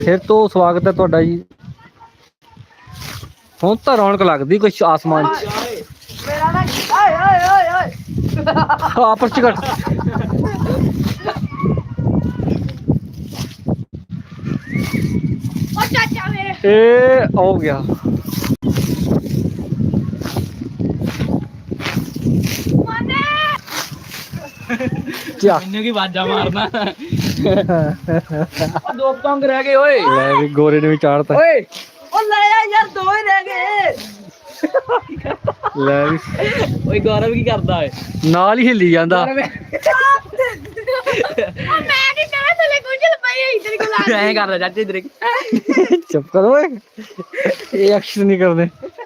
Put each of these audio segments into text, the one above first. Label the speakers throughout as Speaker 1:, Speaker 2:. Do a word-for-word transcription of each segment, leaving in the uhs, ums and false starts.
Speaker 1: फिर तो स्वागत है तुहाडा जी। हुण तां रौनक लगदी कुछ आसमान आपस च कट ए हो गया
Speaker 2: मैनू की बाजा मारना दो पतंग रह गए ओए
Speaker 1: ले भी गोरे ने भी चाड़ता
Speaker 2: ओए ओ ले यार दो ही रह गए
Speaker 1: ले भी
Speaker 2: ओए गौरव की करदा है
Speaker 1: नाल ही हिली जांदा
Speaker 2: ऐ करदा चाचे इधर
Speaker 1: चुप करो ओए ये एक्शन नहीं करदे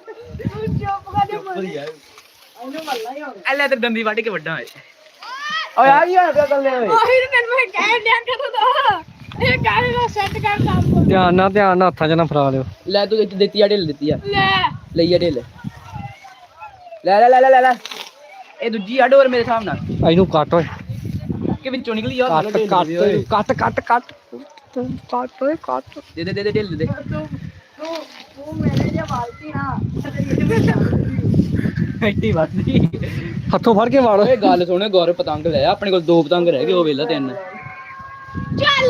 Speaker 2: ले ते डंडी वड़ के वड्डा है ओए आ गया क्या कर ले ओए
Speaker 3: ओए तन मैं कह दिया कर दो ये गाड़ी को सेट कर साहब
Speaker 1: ध्यान ना ध्यान ना हत्थां च ना फरा लियो
Speaker 2: ले तू देती आ ढिल देती आ
Speaker 3: ले
Speaker 2: लईया ढिल ले ले ले ले ले ए दूजी आ डोर मेरे सामने
Speaker 1: ਇਹਨੂੰ ਕੱਟ ਓਏ
Speaker 2: के विचों निकली आ
Speaker 1: ਕੱਟ ਕੱਟ ਕੱਟ ਕੱਟ ਕੱਟ ਕੱਟ ਓਏ ਕੱਟ
Speaker 2: दे दे दे दे ढिल दे
Speaker 3: तू तू तू मेरे जे बाल्टी ना
Speaker 2: ਐਡੀ ਵੱਧਦੀ
Speaker 1: ਹੱਥੋਂ ਫੜ ਕੇ ਮਾਰ
Speaker 2: ਓਏ ਗੱਲ ਸੁਣ ਗੌਰਵ ਪਤੰਗ ਲੈ ਆਪਣੇ ਕੋਲ ਦੋ ਪਤੰਗ ਰਹਿ ਗਏ ਉਹ ਵੇਲਾ ਤਿੰਨ
Speaker 3: ਚੱਲ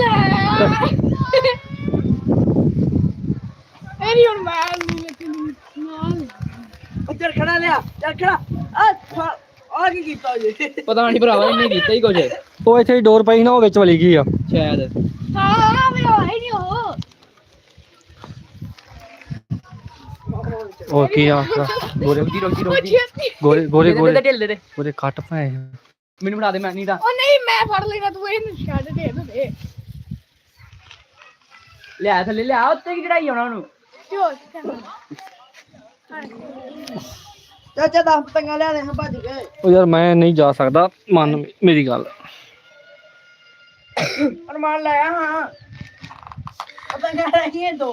Speaker 3: ਐਨੀ ਹੁਣ ਮਾਰ ਲੇਕਿਨ ਮਾਰ
Speaker 4: ਉੱਧਰ ਖੜਾ ਲਿਆ ਚੱਲ ਖੜਾ ਆ ਆ ਕੀ ਕੀਤਾ ਜੀ
Speaker 2: ਪਤਾ ਨਹੀਂ ਭਰਾਵਾ ਇਹਨੇ ਕੀਤਾ ਹੀ ਕੁਝ
Speaker 1: ਉਹ ਇੱਥੇ ਹੀ ਡੋਰ ਪਈ ਨਾ ਉਹ ਵਿੱਚ ਵਲੀ ਗਈ ਆ
Speaker 2: ਸ਼ਾਇਦ
Speaker 3: ਹਾਂ ਮੈਂ ਹੋਈ ਨਹੀਂ ਹੋ
Speaker 1: ਉਹ ਕੀ ਆ ਗੋਰੇ
Speaker 2: ਰੋਕੀ ਰੋਕੀ ਰੋਕੀ
Speaker 1: ਗੋਰੇ ਗੋਰੇ
Speaker 2: ਦੇ
Speaker 1: ਗੋਰੇ
Speaker 2: ਦੇ ਢਿੱਲ ਦੇ ਦੇ
Speaker 1: ਗੋਰੇ ਕੱਟ ਪਾਏ
Speaker 2: ਮੈਨੂੰ ਫੜਾ ਦੇ ਮੈਂ ਨਹੀਂ ਤਾਂ
Speaker 3: ਉਹ ਨਹੀਂ ਮੈਂ ਫੜ ਲੈਣਾ ਤੂੰ ਇਹਨੂੰ ਛੱਡ ਦੇ ਇਹਨੂੰ ਦੇ
Speaker 2: ਲਿਆ ਥੱਲੇ ਲਿਆ ਉੱਤੇ ਕੀ ਚੜਾਈ ਆਉਣਾ ਉਹਨੂੰ
Speaker 3: ਜੋ
Speaker 4: ਚਾਚਾ ਦਸ ਪਤੰਗਾਂ ਲਿਆ ਦੇ ਹਾਂ ਭੱਜ ਗਏ
Speaker 1: ਉਹ ਯਾਰ ਮੈਂ ਨਹੀਂ ਜਾ ਸਕਦਾ ਮੰਨ ਮੇਰੀ ਗੱਲ
Speaker 4: ਅਰਮਾਨ ਲਾਇਆ ਹਾਂ ਪਤੰਗਾਂ ਰਹੀਆਂ ਦੋ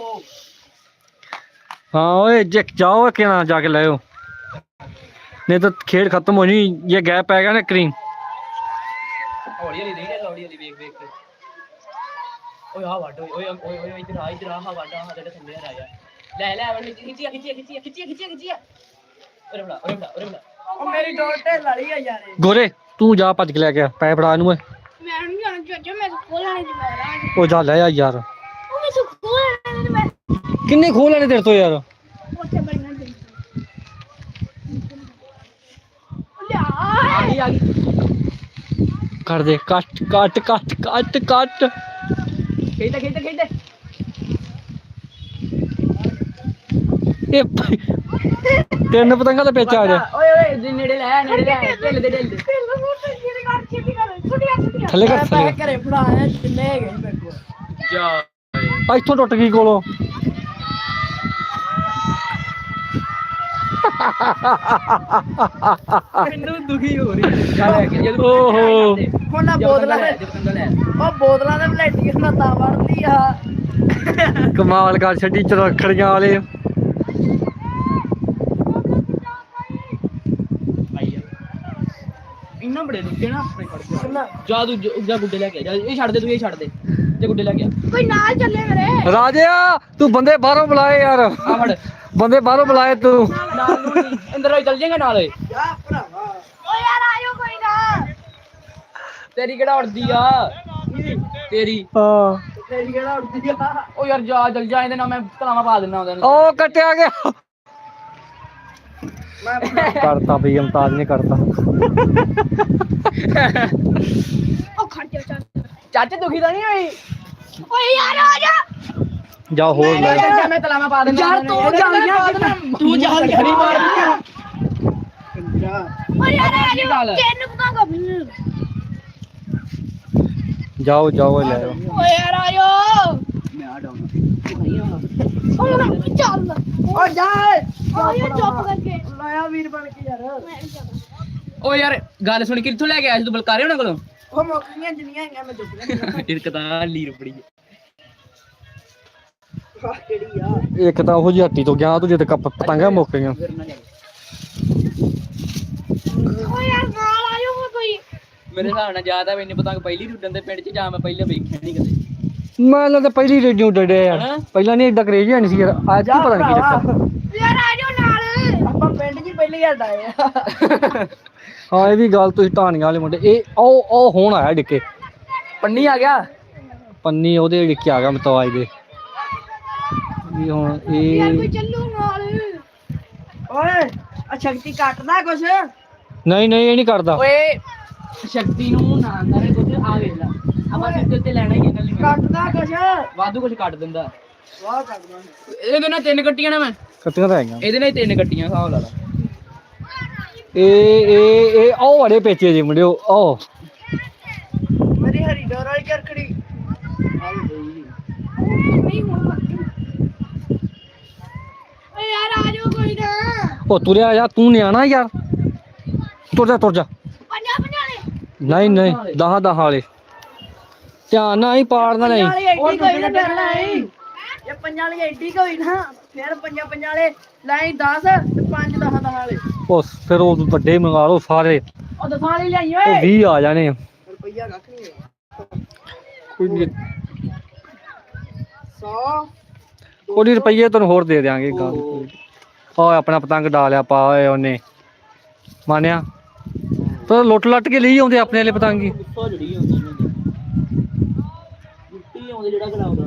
Speaker 1: हाँ ओए जे जाओ के ना जाके लाओ नहीं तो खेल खत्म हो नहीं ये गैप आएगा ना क्रीम
Speaker 2: ਹੌਲੀ ਹੌਲੀ ਦੇ ਹੌਲੀ ਹੌਲੀ ਵੇਖ ਵੇਖ ਕੇ ਓਏ ਆ ਵੱਡ ਓਏ ਓਏ ਓਏ ਓਏ ਇਧਰ ਆ ਇਧਰ ਆ ਹਾ ਵੱਡ ਆ ਤੇਰੇ ਥੱਲੇ ਆ ਰਾਜਾ ਲੈ ਲੈ ਵੜ ਖਿੱਚੀ ਖਿੱਚੀ ਖਿੱਚੀ ਖਿੱਚੀ ਖਿੱਚੀ ਖਿੱਚੀ ਓਰੇ ਬੜਾ ਓਰੇ ਬੜਾ ਓਰੇ ਬੜਾ
Speaker 4: ਉਹ ਮੇਰੀ ਡੋਰ ਢਿੱਲ ਵਾਲੀ ਆ ਯਾਰ ਇਹ।
Speaker 1: गोरे तू जा भज के लेके आ पै फड़ा इनू
Speaker 3: ਮੈਂ ਨਹੀਂ ਜਾਣਾ ਚਾਚਾ ਮੈਂ ਸਕੂਲ ਆਣੇ ਦੀ ਮੈਂ
Speaker 1: ओ जा ले आ यार
Speaker 3: ਉਹ ਮੈਂ ਸਕੂਲ ਆਣੇ ਦੀ ਮੈਂ
Speaker 1: किन्ने खोल लेने तेरे तो यार
Speaker 3: ਉੱਥੇ ਬੈਠਣਾ ਦੇ ਲਿਆ
Speaker 2: ਆ ਗਈ ਆ ਗਈ
Speaker 1: कर दे कट कट कट कट कट
Speaker 2: ਖੇਡ ਖੇਡ ਖੇਡ
Speaker 1: ए तीन पतंगा तो पेचा आ जा
Speaker 2: ਓਏ ਓਏ ਨੇੜੇ ਲੈ ਨੇੜੇ ਲੈ ਢਿੱਲ ਦੇ ਢਿੱਲ ਦੇ
Speaker 1: थले कर थले
Speaker 4: ਪੈਕ ਘਰੇ ਫੜਾਇਆ ਜਿੰਨੇ ਹੈਗੇ ਸੀ ਮੇਰੇ ਕੋਲ
Speaker 2: ਜਾ
Speaker 1: आ इथों टुट गई कोलों
Speaker 2: ਮੈਨੂੰ ਦੁਖੀ ਹੋ ਰਹੀ ਜਾ ਲੈ ਕੇ ਜਦ
Speaker 1: ਓਹੋ
Speaker 4: ਹੁਣ ਨਾ ਬੋਤਲਾਂ ਦੇ
Speaker 2: ਲੈ
Speaker 4: ਉਹ ਬੋਤਲਾਂ ਦੇ ਵਲੈਟੀਆਂ ਨਾਲ ਤਾਂ ਵੜਦੀ ਆ
Speaker 1: कमाल कर छड़ी चरखड़ियां वाले
Speaker 2: ਇੰਨਾ ਬੜੇ ਦੁੱਖੇ ਨਾ ਆਪਣੇ ਫੜ ਕੇ ਜਾ ਤੂੰ ਜਾ ਗੁੱਡੇ ਲੈ ਕੇ ਆ ਜਾ ਇਹ ਛੱਡ ਦੇ ਤੂੰ ਇਹ ਛੱਡ ਦੇ ਤੇ ਗੁੱਡੇ ਲੈ ਕੇ ਆ
Speaker 3: ਕੋਈ ਨਾਲ ਚੱਲੇ ਮੇਰੇ
Speaker 1: राजिया तू बंदे बाहरों बुलाए यार
Speaker 2: ਆ ਫੜ
Speaker 1: बंदे बाहरों बुलाए तू
Speaker 2: ਨਾਲ ਨੂੰ ਨੀ, ਅੰਦਰ ਹੋਈ ਚੱਲ ਜਾਏਗਾ ਨਾਲ ਓਏ
Speaker 4: ਜਾ ਭਰਾਵਾ
Speaker 3: ਓ ਯਾਰ ਆਇਓ ਕੋਈ ਨਾ
Speaker 2: ਤੇਰੀ ਕਿਹੜਾ ਉੜਦੀ ਆ ਤੇਰੀ
Speaker 1: हाँ
Speaker 4: ਤੇਰੀ ਕਿਹੜਾ ਉੱਡਦੀ ਆ
Speaker 2: ਉਹ ਯਾਰ ਜਾ ਜਲ ਜਾ ਇਹਦੇ ਨਾਲ ਮੈਂ ਕਲਾਵਾ ਪਾ ਦਿੰਦਾ ਉਹਦੇ ਨੂੰ
Speaker 1: ओ कटिया गया
Speaker 4: ਮੈਂ
Speaker 1: करता भाई मुमताज ने करता
Speaker 3: ਉਹ ਖੜ ਜਾ ਚੱਲ
Speaker 2: ਚਾਚੇ ਦੁਖੀ ਤਾਂ ਨਹੀਂ ਹੋਈ
Speaker 3: ਓਏ ਯਾਰ ਆ ਜਾ
Speaker 1: जाओ हो ले
Speaker 2: ਚਾਚਾ ਮੈਂ ਤਲਾਵਾ ਪਾ ਦਿੰਦਾ
Speaker 4: ਯਾਰ ਤੂੰ
Speaker 2: ਉਹਦੇ ਨਾਲ
Speaker 4: ਜਲ ਗਿਆ
Speaker 2: ਪਾ ਦਿੰਦਾ।
Speaker 4: ਤੂੰ ਜਲ ਗਿਆ
Speaker 2: ਨਹੀਂ ਮਾਰਦੀ ਆ।
Speaker 4: ਜਾ
Speaker 3: ਓ ਯਾਰ ਆ
Speaker 2: ਕੀ
Speaker 3: ਜਾ
Speaker 2: ਗੱਲ ਹੈ?
Speaker 3: ਤੈਨੂੰ ਪਤਾਂਗਾ
Speaker 1: जाओ जाओ ले आओ।
Speaker 3: ਓ ਯਾਰ ਆਇਓ
Speaker 2: ਮੈਂ ਆ ਡਾਉਣਾ
Speaker 3: ਓ ਯਾਰ ਚੱਲ
Speaker 4: ਓ ਜਾ
Speaker 3: ਓ ਯਾਰ ਚੁੱਪ ਕਰਕੇ
Speaker 4: ਲਾਇਆ ਵੀਰ ਬਣ ਕੇ ਯਾਰ
Speaker 3: ਮੈਂ ਨਹੀਂ ਜਾਣਾ
Speaker 2: ਓ ਯਾਰ ਗੱਲ ਸੁਣ ਕਿੱਥੋਂ ਲੈ ਕੇ ਆਇਆ ਸੀ ਤੂੰ ਬਲਕਾਰੇ ਉਹਨਾਂ ਕੋਲੋਂ
Speaker 4: ਉਹ ਮੌਕੀਆਂ ਜਿੰਨੀਆਂ ਹੈਗੀਆਂ ਮੈਂ ਚੁੱਕ ਲੈਂਦਾ
Speaker 2: ਇੱਕ ਤਾਂ ਲੀਰ ਬੜੀ
Speaker 4: ਆਹ ਕਿਹੜੀ ਆ
Speaker 1: एक तो वो जी हट्टी तो गया तू जित पतंगा मुक गई
Speaker 2: ਫਿਰ ਨਾ ਜਾ
Speaker 3: ਓ ਯਾਰ ਨਾਲ ਆਇਓ ਕੋਈ
Speaker 2: ਮੇਰੇ ਹਿਸਾਬ ਨਾਲ ਜ਼ਿਆਦਾ ਮੈਨੂੰ ਪਤੰਗ ਪਹਿਲੀ ਉੱਡਣ ਦੇ ਪਿੰਡ 'ਚ ਜਾਂ ਮੈਂ ਪਹਿਲਾਂ ਵੇਖਿਆ ਨਹੀਂ ਕਦੇ
Speaker 1: ਮੈਂ ਤਾਂ ਪਹਿਲੀ ਰੇਡੀਓ ਡੜੇ ਯਾਰ
Speaker 2: ਹੈਂ?
Speaker 1: ਪਹਿਲਾਂ ਨਹੀਂ ਏਦਾਂ ਕਰੇਜ ਨਹੀਂ ਸੀ ਯਾਰ ਅੱਜ ਕੀ ਪਤਾ ਨਹੀਂ ਕੀ ਚੱਕਰ
Speaker 3: ਯਾਰ ਆ ਜਾਓ ਨਾਲ
Speaker 4: ਆਪਾਂ ਪਿੰਡ 'ਚ ਹੀ ਪਹਿਲੀ ਵਾਰ ਆਏ ਆ
Speaker 1: ਹਾਂ ਇਹ ਵੀ ਗੱਲ ਤੁਸੀਂ ਢਾਣੀਆਂ ਵਾਲੇ ਮੁੰਡੇ ਇਹ ਉਹ ਉਹ ਹੁਣ ਆਇਆ ਡਿੱਕੇ
Speaker 2: ਪੰਨੀ ਆ ਗਿਆ
Speaker 1: ਪੰਨੀ ਉਹਦੇ ਡਿੱਕੇ ਆ ਗਿਆ ਮਤਵਾਜ ਦੇ ਵੀ ਹੁਣ
Speaker 3: ਯਾਰ ਕੋਈ
Speaker 1: ਇਹ
Speaker 3: ਚੱਲੂ ਨਾਲ
Speaker 4: ਓਏ ਆ ਸ਼ਕਤੀ ਕੱਟਦਾ ਕੁਛ
Speaker 1: ਨਹੀਂ ਨਹੀਂ ਇਹ ਨਹੀਂ ਕਰਦਾ
Speaker 2: ਓਏ ਸ਼ਕਤੀ ਨੂੰ ਨਾ ਕਰੇ ਕੁਝ ਆ ਵੇਲਾ ਆਪਾਂ ਸਿੱਧੇ ਉੱਤੇ ਲੈਣਾ ਹੀ ਹੈ ਗੱਲ
Speaker 4: ਕੱਟਦਾ ਕੁਛ
Speaker 2: ਵਾਧੂ ਕੁਝ ਕੱਟ ਦਿੰਦਾ
Speaker 4: ਵਾਹ ਕੱਟਦਾ
Speaker 2: ਇਹਦੇ ਨਾਲ ਤਿੰਨ ਕੱਟੀਆਂ ਨਾ ਮੈਂ
Speaker 1: ਕੱਟੀਆਂ ਤਾਂ ਹੈਗੀਆਂ
Speaker 2: ਇਹਦੇ ਨਾਲ ਹੀ ਤਿੰਨ ਕੱਟੀਆਂ ਹਿਸਾਬ ਲਾ ਲਾ
Speaker 1: ਇਹ ਇਹ ਇਹ ਉਹ ਵਾਲੇ ਪੇਚੇ ਜੀ ਮੁੰਡਿਓ ਉਹ
Speaker 4: ਮੇਰੀ ਹਰੀ ਡੋਰ ਵਾਲੀ ਕਰਕੜੀ
Speaker 3: ਨਹੀਂ ਹੁਣ ਮੱਕੀ ਓਏ ਯਾਰ ਆ ਜਾਓ ਕੋਈ ਨਾ
Speaker 1: ਉਹ ਤੁਰਿਆ ਜਾ ਤੂੰ ਨਿਆਣਾ ਯਾਰ ਤੁਰ ਜਾ ਤੁਰ ਜਾ
Speaker 3: ਪੰਜਾ ਪੰਜਾ
Speaker 1: ਨਹੀਂ ਨਹੀਂ ਦਹਾਂ ਦਹਾਂ ਵਾਲੇ ਧਿਆਨ ਨਾਲ ਹੀ ਪਾੜਨਾ ਨਹੀਂ
Speaker 4: ਵਾਲੀ ਐਡੀ ਕੋਈ ਨਾ ਕਰਨਾ ਏ ਇਹ ਪੰਜਾਂ ਵਾਲੀ ਐਡੀ ਕੋਈ ਨਾ ਫਿਰ ਪੰਜਾਂ ਪੰਜਾਂ ਵਾਲੇ ਲਾਈ ਦਸ ਤੇ ਪੰਜ ਦਸ ਦਸ ਵਾਲੇ
Speaker 1: ਉਹ ਫਿਰ ਉਹ ਵੱਡੇ ਮੰਗਾ ਲਓ ਸਾਰੇ
Speaker 4: ਉਹ ਦਸਾਂ ਵਾਲੀ ਲਿਆਈ
Speaker 1: ਉਹ
Speaker 4: ਓਏ
Speaker 1: ਵੀਹ ਆ ਜਾਣੇ ਆ।
Speaker 4: ਰੁਪਈਆ ਕੱਖ ਨਹੀਂ
Speaker 1: ਕੋਈ ਨੀ,
Speaker 4: ਸੌ
Speaker 1: ਕੋਈ ਨੀ ਰੁਪਈਏ ਤੈਨੂੰ ਹੋਰ ਦੇ ਦਿਆਂਗੇ ਗੱਲ ਓਏ ਆਪਣਾ ਪਤੰਗ ਡਾਲਿਆ ਪਾ ਓਏ ਉਹਨੇ ਮਾਨਿਆ ਤੂੰ ਲੁੱਟ ਲੱਟ ਕੇ ਲਈ ਆਉਂਦੇ ਆਪਣੇ ਵਾਲੇ ਪਤੰਗੀ
Speaker 2: ਗੁੱਸਾ ਜੜੀ ਹੁੰਦੀ ਇਹਨਾਂ ਦੀ ਗੁੱਟੀ ਆਉਂਦੇ ਜਿਹੜਾ ਗਲਾਉਂਦਾ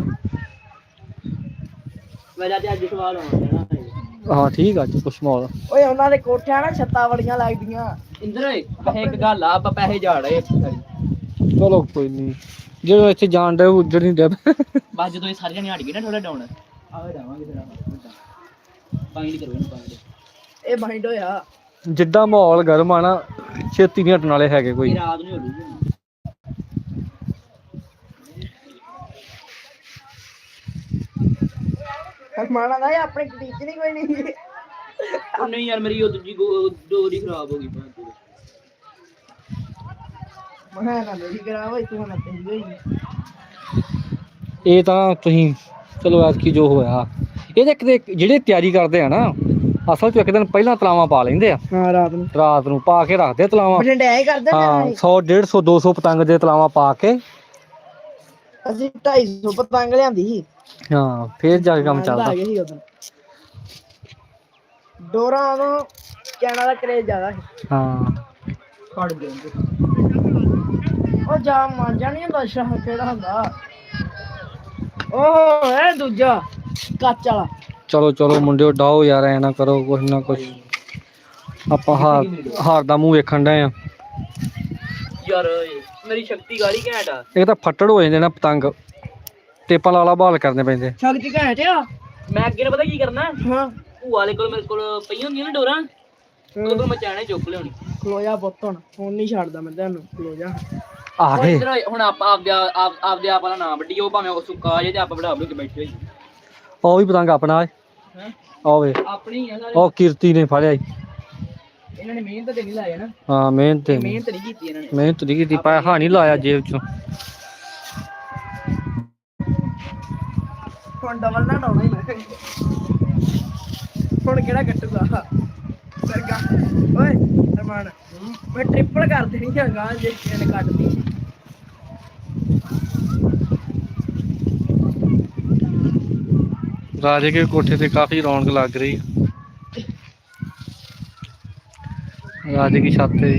Speaker 2: ਮੇਰਾ ਤੇ ਅੱਜ ਸਵਾਲ ਆਉਣਾ ਹੈ
Speaker 1: ਹਾਂ ਠੀਕ ਆ ਜੀ ਕੁਛ ਮਾਹੌਲ
Speaker 4: ਓਏ ਉਹਨਾਂ ਦੇ ਕੋਠਿਆਂ ਨਾ ਛੱਤਾਂ ਬੜੀਆਂ ਲੱਗਦੀਆਂ
Speaker 2: ਇੰਦਰ ਓਏ ਵੈਸੇ ਇੱਕ ਗੱਲ ਆ ਆਪਾਂ ਪੈਸੇ ਝਾੜ ਰਹੇ ਇੱਥੇ ਸਾਰੀ
Speaker 1: ਚਲੋ ਕੋਈ ਨਹੀਂ ਜਦੋਂ ਇੱਥੇ ਜਾਣ ਦੇ ਉੱਜੜ ਨਹੀਂ ਦੇ
Speaker 2: ਬਸ ਜਦੋਂ ਇਹ ਸਾਰੇ ਜਣੇ ਹਟ ਗਏ ਨਾ ਥੋੜਾ ਡਾਊਨ ਆਵੇ ਜਾਵਾਂਗੇ ਫਿਰ ਆਪਾਂ ਪਾਣੀ ਨਹੀਂ ਕਰੋ ਇਹਨੂੰ ਪਾਣੀ
Speaker 4: ਇਹ ਬਾਈਂਡ ਹੋਇਆ
Speaker 1: ਜਿੱਦਾਂ ਮਾਹੌਲ ਗਰਮ ਆ ਨਾ ਛੇਤੀ ਨਹੀਂ ਹਟਣ ਵਾਲੇ ਹੈਗੇ ਕੋਈ
Speaker 2: ਇਹ ਰਾਤ ਨੂੰ ਹੋ ਜੂਗੀ
Speaker 4: ਹਰਮਾਨਾ ਦਾ ਆਪਣੇ ਟੀਚ ਨਹੀਂ ਕੋਈ ਨਹੀਂ
Speaker 2: ਉਹ ਨਹੀਂ ਯਾਰ ਮੇਰੀ ਉਹ ਦੂਜੀ ਗੋ- ਡੋਰੀ ਖਰਾਬ ਹੋ ਗਈ ਭਾਂ ਤੂੰ
Speaker 4: ਮੈਂ ਨਾ ਮੇਰੀ ਕਰਾ ਹੋਈ ਤੂੰ ਨਾ ਤੇਰੀ ਹੋਈ
Speaker 1: ਇਹ ਤਾਂ ਤੁਸੀਂ ਚਲੋ ਐਤ ਕੀ ਜੋ ਹੋਇਆ ਇਹਦੇ ਕਿਤੇ ਜਿਹੜੇ ਤਿਆਰੀ ਕਰਦੇ ਆ ਨਾ ਅਸਲ ਚ ਇੱਕ ਦਿਨ ਪਹਿਲਾਂ ਤਲਾਵਾਂ ਪਾ ਲੈਂਦੇ ਆ
Speaker 4: ਹਾਂ ਰਾਤ ਨੂੰ
Speaker 1: ਰਾਤ ਨੂੰ ਪਾ ਕੇ ਰੱਖਦੇ ਤਲਾਵਾਂ
Speaker 4: ਬਠਿੰਡੇ ਐ ਕਰਦੇ
Speaker 1: ਹਾਂ
Speaker 4: ਨੇ
Speaker 1: ਸੌ ਡੇਢ ਸੌ ਦੋ ਸੌ ਪਤੰਗ ਦੇ ਤਲਾਵਾਂ ਪਾ ਕੇ
Speaker 4: ਅਸੀਂ ਢਾਈ ਸੌ ਪਤੰਗ ਲਿਆਂਦੀ ਸੀ
Speaker 1: ਹਾਂ ਫੇਰ ਜਾ ਕੇ ਕੰਮ ਚੱਲਦਾ
Speaker 4: ਆ ਗਏ ਸੀ ਉਦੋਂ ਡੋਰਾਂ ਤੋਂ ਕੈਨਾ ਦਾ ਕਰੇਜ ਜ਼ਿਆਦਾ ਸੀ
Speaker 1: ਹਾਂ
Speaker 2: ਖੜ ਗਏ
Speaker 4: ਉਹ ਜਾ ਮਾਂਜਾ ਨਹੀਂ ਹੁੰਦਾ ਸ਼ਾਹ ਕਿਹੜਾ ਹੁੰਦਾ ਉਹ ਹੈ ਦੂਜਾ ਕੱਚ ਵਾਲਾ
Speaker 1: ਚਲੋ ਚਲੋ ਮੁੰਡਿਓ ਡਾਓ ਯਾਰ ਐ ਨਾ ਕਰੋ ਕੁਛ ਨਾ ਕੁਛ ਆਪਾਂ ਹਾਰ ਹਾਰ ਦਾ ਮੂੰਹ ਵੇਖਣ ਡਏ ਆ
Speaker 2: ਯਾਰ ਮੇਰੀ ਸ਼ਕਤੀ ਗਾੜੀ ਘੈਂਟ ਆ
Speaker 1: ਇਹ ਤਾਂ ਫੱਟੜ ਹੋ ਜਾਂਦੇ ਨਾ ਪਤੰਗ ਟੇਪਾਂ ਲਾਲਾ ਬਹਾਲ ਕਰਨੇ ਪੈਂਦੇ
Speaker 4: ਸ਼ਕਤੀ ਘੈਂਟ ਆ
Speaker 2: ਮੈਂ ਅੱਗੇ ਨੇ ਪਤਾ ਕੀ ਕਰਨਾ
Speaker 4: ਹਾਂ
Speaker 2: ਭੂਆ ਵਾਲੇ ਕੋਲ ਮੇਰੇ ਕੋਲ ਪਈਆਂ ਹੁੰਦੀਆਂ ਨਾ ਡੋਰਾਂ ਉਹਦੇ ਕੋਲ ਮੈਂ ਚਾਹਣੇ ਚੁੱਕ ਲਿਆਉਣੀ
Speaker 4: ਖਲੋ ਜਾ ਪੁੱਤ ਹੁਣ ਹੁਣ ਨਹੀਂ ਛੱਡਦਾ ਮੈਂ ਤੈਨੂੰ ਖਲੋ ਜਾ
Speaker 1: ਆ
Speaker 2: ਹੁਣ
Speaker 1: ਗਏ
Speaker 2: ਇੱਧਰ ਆਏ, ਹੁਣ ਆਪਾਂ ਆਪਦੇ ਆਪ ਆਪਦੇ ਆਪ ਵਾਲਾ ਨਾ ਵੱਡੀ ਉਹ ਭਾਵੇਂ ਉਹ ਸੁੱਕਾ ਜੇ ਤੇ ਆਪਾਂ ਬੜਾ ਬੜੂ ਕੇ ਬੈਠੇ ਹੋਈ
Speaker 1: ਉਹ ਵੀ ਪਤੰਗ ਆਪਣਾ ਏ
Speaker 2: ਹੈ
Speaker 1: ਆਵੇ
Speaker 2: ਆਪਣੀ ਆ ਸਾਰੇ
Speaker 1: ਉਹ ਕੀਰਤੀ ਨੇ ਫੜਿਆ ਈ।
Speaker 2: ਇਹਨਾਂ ਨੇ ਮਿਹਨਤ ਤੇ ਨਹੀਂ ਲਾਇਆ ਨਾ
Speaker 1: ਹਾਂ ਮਿਹਨਤ ਤੇ
Speaker 2: ਮਿਹਨਤ ਨਹੀਂ ਕੀਤੀ ਇਹਨਾਂ ਨੇ
Speaker 1: ਮਿਹਨਤ ਨਹੀਂ ਕੀਤੀ ਪੈਸਾ ਨਹੀਂ ਲਾਇਆ ਜੇਬ ਚੋਂ
Speaker 4: ਹੁਣ ਡਬਲ ਨਾ ਡਾਉਣਾ ਹੀ ਮੈਂ ਹੁਣ ਕਿਹੜਾ ਕੱਟੂਗਾ ਸਰਗਾ ਓਏ ਅਰਮਾਨ ਮੈਂ ਟ੍ਰਿਪਲ ਕਰ ਦੇਣੀ ਆ ਗਾਂ ਜੇ ਕਿਸੇ ਨੇ ਕੱਟਦੀ
Speaker 1: ਰਾਜੇ ਕੇ ਕੋਠੇ ਤੇ ਕਾਫੀ ਰੌਣਕ ਲੱਗ ਰਹੀ ਰਾਜੇ की छत है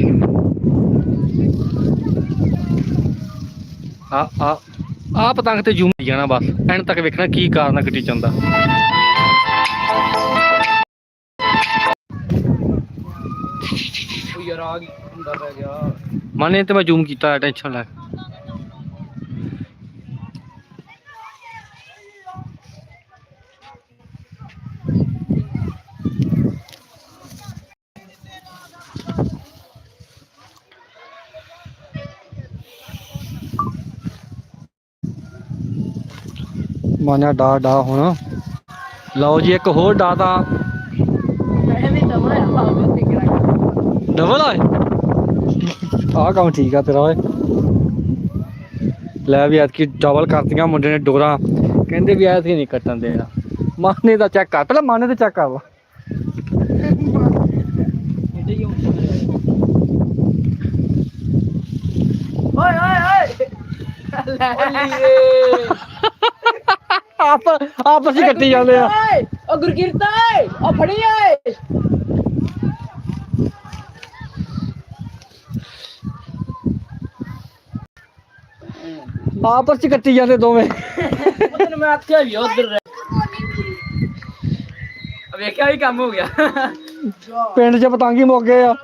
Speaker 1: आ आ आ पतंग ते जूम जाना बस एंड तक वेखना की कारण कटी चंदा
Speaker 2: ਉਹ ਯਾਰ ਆ ਗਈ ਹੁੰਦਾ ਪੈ ਗਿਆ
Speaker 1: माने ते मैं जूम कीता टेंशन ले माना डा डा होना लो जी एक होर डा ता
Speaker 4: ਮੈਂ ਵੀ ਡਬਲ ਆ ਭਾਵੇਂ ਤੇ ਕਰਾਂਗਾ
Speaker 1: डबल आए आ काम ठीक है तेरा लै भी ऐतकी डबल करतियां मुंडे ने डोरा कहंदे भी ऐतकी नहीं कट्टन देना माने दा चेक कर पहले माने दा चेक कर ला
Speaker 2: ਇਹਦੇ ਹੀ ਹੁੰਦੇ
Speaker 4: ਓਏ ਓਏ ਓਏ ਲੈ
Speaker 2: ਓਏ
Speaker 1: ਆਪ ਆਪਸ ਹੀ ਕੱਟੀ ਜਾਂਦੇ ਆ।
Speaker 2: ਓਏ ਉਹ ਗੁਰਕੀਰਤ ਓਏ ਉਹ ਫੜੀ ਓਏ
Speaker 1: ਆਪਸ ਚ ਕੱਟੀ ਜਾਂਦੇ ਦੋਵੇਂ।
Speaker 2: ਤੈਨੂੰ ਮੈਂ ਆਖਿਆ ਵੀ ਉਧਰ ਵੇਖਿਆ ਵੀ ਕੰਮ ਹੋ ਗਿਆ।
Speaker 1: ਪਿੰਡ ਚ ਪਤੰਗ ਹੀ ਮੁੱਕ ਗਏ ਆ।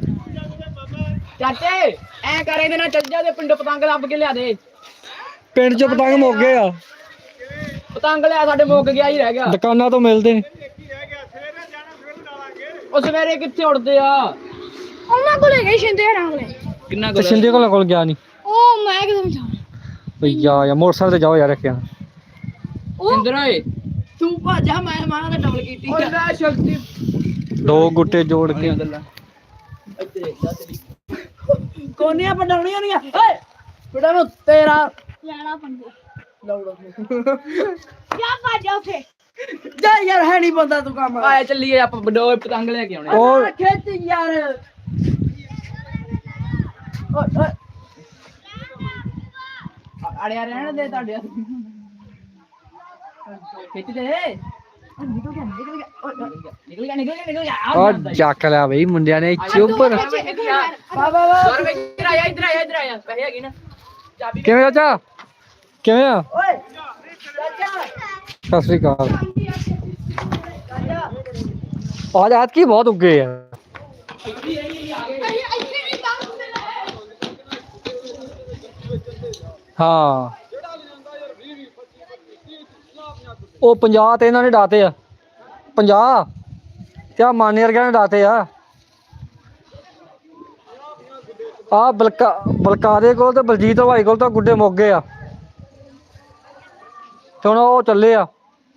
Speaker 2: ਚਾਚੇ ਐ ਕਰ ਇਹਦੇ ਨਾਲ ਚੱਲ ਜਾ ਤੇ ਪਿੰਡ ਪਤੰਗ ਲੱਭ ਕੇ ਲਿਆ ਦੇ।
Speaker 1: ਪਿੰਡ ਚ ਪਤੰਗ ਮੁੱਕ ਗਏ ਆ।
Speaker 2: ਪਤੰਗ ਲਿਆ ਸਾਡੇ ਮੁੱਕ ਗਿਆ ਹੀ ਰਹਿ ਗਿਆ।
Speaker 1: ਦੁਕਾਨਾਂ ਤੋਂ ਮਿਲਦੇ ਨੇ।
Speaker 2: ਉਹ ਸਵੇਰੇ ਕਿੱਥੇ ਉੜਦੇ ਆ?
Speaker 3: ਉਹਨਾਂ ਕੋਲੇ ਗਏ ਸ਼ਿੰਦੇ ਹਰਾਂ ਕੋਲੇ।
Speaker 2: ਕਿੰਨਾ
Speaker 1: ਤੇ ਸਿੰਧੇ ਕੋਲ ਕੋਲ ਗਿਆ ਨਹੀਂ।
Speaker 3: ਉਹ ਮੈਂ ਕਿਦੋਂ ਜਾ
Speaker 1: ਬਈ ਜਾ ਯਾਰ ਮੋਟਰਸਾਈਕਲ ਤੇ ਜਾਓ ਯਾਰ ਰੱਖਿਆ।
Speaker 2: ਇੰਦਰ ਓਏ
Speaker 4: ਤੂੰ ਭਾਜਾ ਮੈਂ ਮਾਰਾਂ ਤੇ ਡਬਲ ਕੀਤੀ
Speaker 2: ਓਏ ਲੈ ਸ਼ਕਤੀ
Speaker 1: ਦੋ ਗੁੱਟੇ ਜੋੜ ਕੇ
Speaker 2: ਇੱਥੇ ਜਾ ਤੇਰੀ
Speaker 4: ਕੋਨੀਆਂ ਪਡਾਉਣੀਆਂ ਨਹੀਂ ਓਏ ਬੇਟਾ ਮੈਂ ਤੇਰਾ
Speaker 3: ਲੈਣਾ ਪੰਗੇ
Speaker 4: ਲੌੜਾ
Speaker 3: ਜਾ ਭਾਜਾ ਉਥੇ
Speaker 4: ਜਾ ਯਾਰ ਹੈ ਨਹੀਂ ਬੰਦਾ ਤੂੰ ਕੰਮ
Speaker 2: ਆਇਆ ਚੱਲੀਏ ਆਪਾਂ ਬਡੋਏ ਪਤੰਗ ਲੈ ਕੇ ਆਉਣੇ।
Speaker 1: ਉਹ
Speaker 4: ਖੇਤ ਯਾਰ ਓਏ ਓਏ
Speaker 2: ਅੜਿਆ ਰਹਿਣ ਦੇ ਤੁਹਾਡੇ ਖਿੱਚ ਦੇ
Speaker 4: ਨਿਕਲ ਗਿਆ ਨਿਕਲ ਗਿਆ ਓਏ ਓਏ
Speaker 2: ਨਿਕਲ ਗਿਆ ਨਿਕਲ ਗਿਆ ਨਿਕਲ ਗਿਆ
Speaker 1: ਉਹ ਜੱਕ ਲਿਆ ਬਈ ਮੁੰਡਿਆਂ ਨੇ ਚੁੱਪਰ।
Speaker 4: ਵਾ ਵਾ ਵਾ
Speaker 2: ਸੌ ਰੁਪਏ ਇੱਧਰ ਆਇਆ ਇੱਧਰ ਆਇਆ ਇੱਧਰ ਆਇਆ ਪੈਸੇ ਹੈਗੇ ਨਾ ਚਾਬੀ
Speaker 1: ਕਿਵੇਂ ਚਾਚਾ ਕਿਵੇਂ ਆ?
Speaker 4: ਓਏ ਚਾਚਾ
Speaker 1: ਸਤਿ ਸ੍ਰੀ ਅਕਾਲ।
Speaker 4: ਚਾਚਾ
Speaker 1: ਅੱਜ ਐਤ ਕੀ ਬਹੁਤ ਉੱਗੇ ਆ।
Speaker 3: ਇੱਥੇ ਵੀ ਕੰਮ
Speaker 1: ਹਾਂ ਉਹ ਪੰਜਾਹ ਤੇ ਇਹਨਾਂ ਨੇ ਡਾਤੇ ਆ। ਪੰਜਾਹ ਤੇ ਆ ਮਾਨੇ ਵਰਗਿਆਂ ਨੇ ਡਾਤੇ ਆ। ਆ ਬਲਕਾ ਬਲਕਾ ਦੇ ਕੋਲ ਤੇ ਬਲਜੀਤ ਭਾਈ ਕੋਲ ਤਾਂ ਗੁੱਡੇ ਮੁੱਕ ਗਏ ਆ। ਤੇ ਹੁਣ ਉਹ ਚੱਲੇ ਆ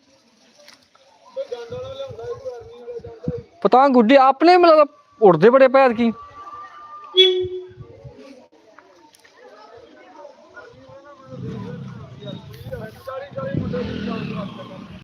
Speaker 1: ਪਤੰਗ ਗੁੱਡੇ ਆਪਣੇ ਮਤਲਬ ਉੜਦੇ ਬੜੇ ਭੈਦ ਕੀ।